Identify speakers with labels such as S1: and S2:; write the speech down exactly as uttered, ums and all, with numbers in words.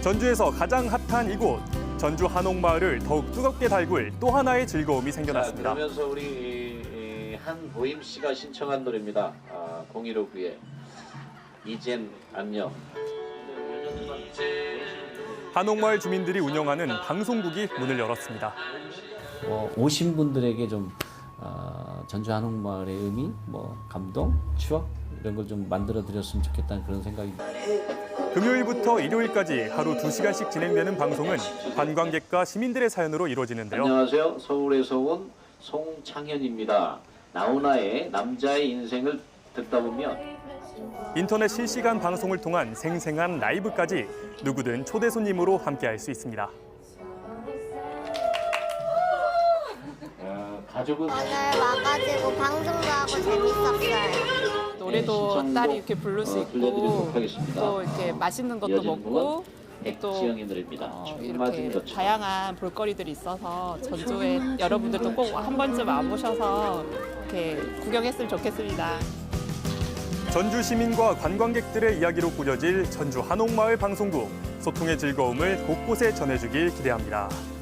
S1: 전주에서 가장 핫한 이곳, 전주 한옥마을을 더욱 뜨겁게 달굴 또 하나의 즐거움이 생겨났습니다.
S2: 자, 그러면서 우리 한보임 씨가 신청한 노래입니다. 아, 공일오구의 이젠 안녕.
S1: 한옥마을 주민들이 운영하는 방송국이 문을 열었습니다.
S3: 어, 오신 분들에게 좀 어, 전주 한옥마을의 의미, 뭐 감동, 추억 이런 걸 좀 만들어 드렸으면 좋겠다는 그런 생각입니다.
S1: 금요일부터 일요일까지 하루 두 시간씩 진행되는 방송은 관광객과 시민들의 사연으로 이루어지는데요.
S2: 안녕하세요. 서울에서 온 송창현입니다. 나훈아의 남자의 인생을 듣다 보면
S1: 인터넷 실시간 방송을 통한 생생한 라이브까지 누구든 초대 손님으로 함께할 수 있습니다.
S2: 어, 가족은
S4: 오늘 와가지고 방송도 하고 재밌었어요.
S5: 노래도
S2: 네,
S5: 딸이 이렇게 부를 수
S2: 어,
S5: 있고
S2: 들려드리도록 하겠습니다.
S5: 또 이렇게 맛있는 것도
S2: 이어지는
S5: 먹고
S2: 곡은
S5: 또
S2: 백지영의 노래입니다.
S5: 어,
S2: 춤 맞은
S5: 이렇게
S2: 것처럼.
S5: 다양한 볼거리들이 있어서 전주에 여러분들도 꼭 한 번쯤 와보셔서 이렇게 구경했으면 좋겠습니다.
S1: 전주 시민과 관광객들의 이야기로 꾸려질 전주 한옥마을 방송국, 소통의 즐거움을 곳곳에 전해주길 기대합니다.